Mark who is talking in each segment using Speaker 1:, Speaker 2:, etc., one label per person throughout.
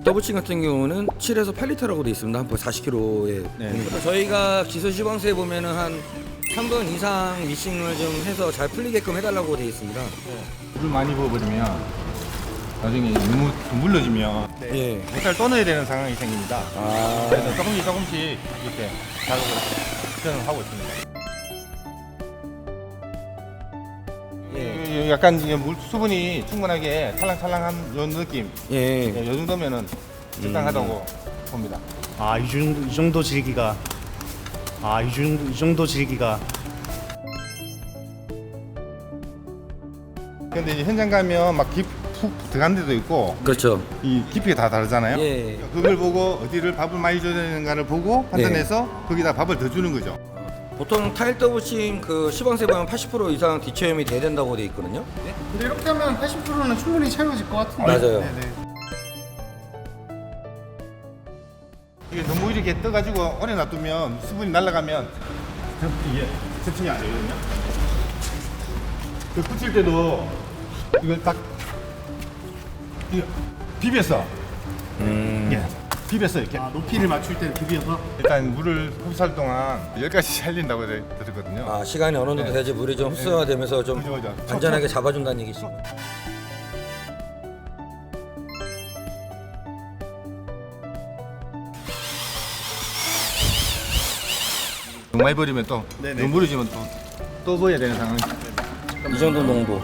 Speaker 1: 더블칭 같은 경우는 7에서 8리터라고 돼 있습니다. 한 40kg에.
Speaker 2: 네.
Speaker 1: 저희가 기소 시범수에 보면은 한 3분 이상 미싱을 좀 해서 잘 풀리게끔 해달라고 돼 있습니다.
Speaker 2: 물을 많이 부어버리면 나중에 너무 물러지면
Speaker 1: 예.
Speaker 2: 못살 떠넣어야 되는 상황이 생깁니다.
Speaker 1: 아.
Speaker 2: 그래서 조금씩 이렇게 작업을 시전을 하고 있습니다. 약간 이게 물 수분이 충분하게 찰랑찰랑한 요 느낌,
Speaker 1: 예.
Speaker 2: 요 정도면은 적당하다고 봅니다.
Speaker 3: 아, 이 정도 질기가. 아, 이 정도 질기가.
Speaker 2: 근데 이제 현장 가면 막 푹 들어간 데도 있고
Speaker 1: 그렇죠.
Speaker 2: 이 깊이가 다 다르잖아요.
Speaker 1: 예.
Speaker 2: 그걸 보고 어디를 밥을 많이 줘야 되는가를 보고 판단해서 거기다 밥을 더 주는 거죠.
Speaker 1: 보통 타일 더블칭 그 시범수에 보면 80% 이상 뒤체험이 돼야 된다고 돼 있거든요.
Speaker 4: 근데 이렇게 하면 80%는 충분히 채워질 것 같은데.
Speaker 1: 맞아요.
Speaker 4: 네네.
Speaker 2: 이게 너무 이렇게 떠가지고 오래 놔두면 수분이 날아가면 이게 세팅이 안 되거든요. 그 붙일 때도 이걸 딱 이거 비벼서 예, 비벼서 이렇게
Speaker 4: 아, 높이를 맞출 때는 비벼서.
Speaker 2: 일단 물을 흡수할 동안 10가지 살린다고 들었거든요.
Speaker 1: 아, 시간이 어느 정도
Speaker 2: 네.
Speaker 1: 돼야지 물이 좀 흡수가 되면서 좀
Speaker 2: 그죠.
Speaker 1: 안전하게 잡아준다는 얘기죠.
Speaker 2: 너무 많이 버리면 또
Speaker 4: 네네.
Speaker 2: 너무 물어지면 또 버려야 되는 상황이.
Speaker 1: 이 정도 농도.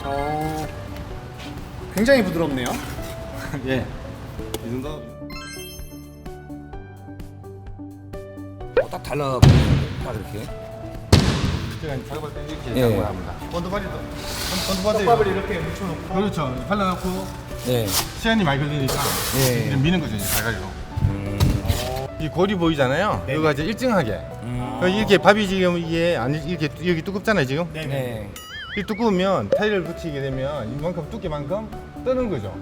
Speaker 4: 굉장히 부드럽네요.
Speaker 2: 예. 이 정도.
Speaker 1: 딱 달라붙네요. 딱 이렇게.
Speaker 2: 제가 작업할 때 이렇게
Speaker 1: 예.
Speaker 2: 작업을 합니다. 본드바리도. 본드바리.
Speaker 4: 떡밥을 이렇게 묻혀놓고.
Speaker 2: 그렇죠. 발라놓고
Speaker 1: 네.
Speaker 2: 시간이 많이 걸리니까
Speaker 1: 예.
Speaker 2: 이제 미는 거죠, 이제 가가지고. 이 골이 보이잖아요. 이거가 이제 일정하게. 이렇게 밥이 지금 이게 아니 이렇게 여기 두껍잖아요, 지금.
Speaker 1: 네.
Speaker 2: 이 두꺼우면 타일을 붙이게 되면 이만큼 두께만큼 뜨는 거죠.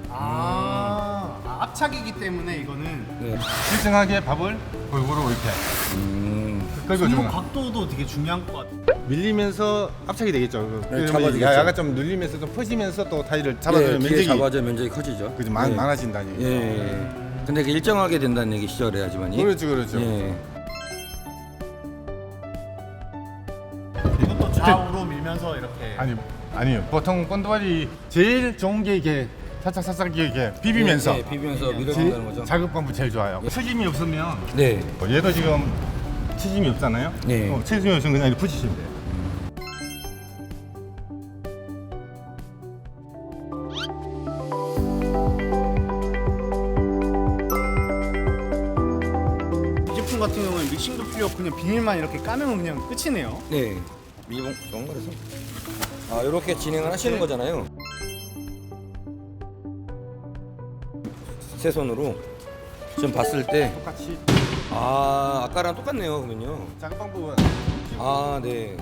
Speaker 4: 압착이기 때문에 이거는
Speaker 1: 네.
Speaker 2: 일정하게 밥을 골고루 이렇게 끌고
Speaker 4: 손목
Speaker 2: 주는 거.
Speaker 4: 각도도 되게 중요한 것 같아요.
Speaker 2: 밀리면서 압착이 되겠죠. 그러면
Speaker 1: 잡아주겠죠.
Speaker 2: 약간 좀 눌리면서 좀 퍼지면서 또 타일을 잡아주는
Speaker 1: 예, 뒤에
Speaker 2: 면적이
Speaker 1: 잡아줘 면적이 커지죠.
Speaker 2: 그죠,
Speaker 1: 예.
Speaker 2: 많아진다는 얘기죠.
Speaker 1: 예. 근데 그 일정하게 된다는 얘기시죠, 그래야지만이.
Speaker 2: 그렇죠.
Speaker 1: 예.
Speaker 4: 이것도 좌우로 밀면서 이렇게.
Speaker 2: 아니요. 보통 본드발이 제일 좋은 게 이게 살짝 이렇게 비비면서
Speaker 1: 예, 비비면서 밀어준다는 거죠.
Speaker 2: 작업 방법 제일 좋아요. 치짐이 없으면
Speaker 1: 네.
Speaker 2: 얘도 지금 치짐이 없잖아요.
Speaker 1: 네.
Speaker 2: 치짐이 없으면 그냥 이렇게 붙이시면 돼요.
Speaker 4: 이 제품 같은 경우는 믹싱도 필요 없고 그냥 비닐만 이렇게 까면 그냥 끝이네요.
Speaker 1: 네. 미봉 정말에서. 아, 이렇게 진행을 하시는 거잖아요. 세 손으로 지금 봤을 때
Speaker 2: 똑같이
Speaker 1: 아까랑 똑같네요, 그러면요.
Speaker 2: 작업 방법은
Speaker 1: 아, 네.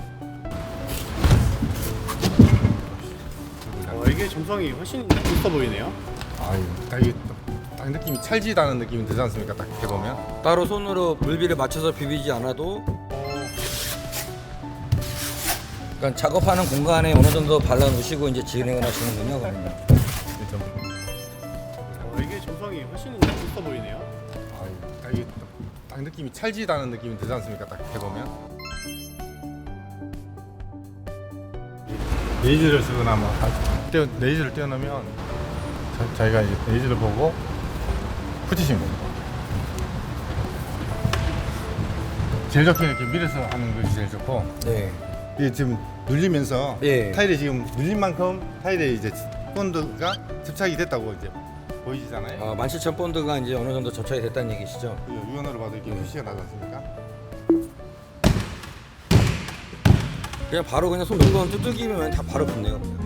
Speaker 4: 이게 점성이 훨씬 있어 보이네요.
Speaker 2: 아유, 딱 느낌이 찰지다는 느낌이 들지 않습니까? 딱 이렇게 보면.
Speaker 1: 따로 손으로 물비를 맞춰서 비비지 않아도 그러니까 작업하는 공간에 어느 정도 발라 놓으시고 이제 진행을 하시는군요, 그러면.
Speaker 4: 이게 점성이 훨씬 있어 보이네요.
Speaker 2: 아유, 딱 느낌이 찰지다는 느낌이 들지 않습니까? 딱 이렇게 보면. 레이저를 쓰거나 뭐 레이저를 떼어놓으면 자기가 이제 레이저를 보고 붙이시면 됩니다. 제일 좋게 이렇게 밀어서 하는 것이 제일 좋고,
Speaker 1: 네.
Speaker 2: 이게 지금 눌리면서
Speaker 1: 예.
Speaker 2: 타일이 지금 눌린 만큼 타일에 이제 본드가 접착이 됐다고 이제 보이잖아요.
Speaker 1: 17,000본드가 이제 어느 정도 접착이 됐다는 얘기시죠?
Speaker 2: 유연으로 봐도 이렇게 표시가 나지 않습니까?
Speaker 1: 그냥 바로 그냥 손 물건 두들기면 다 바로 붙네요. 그냥.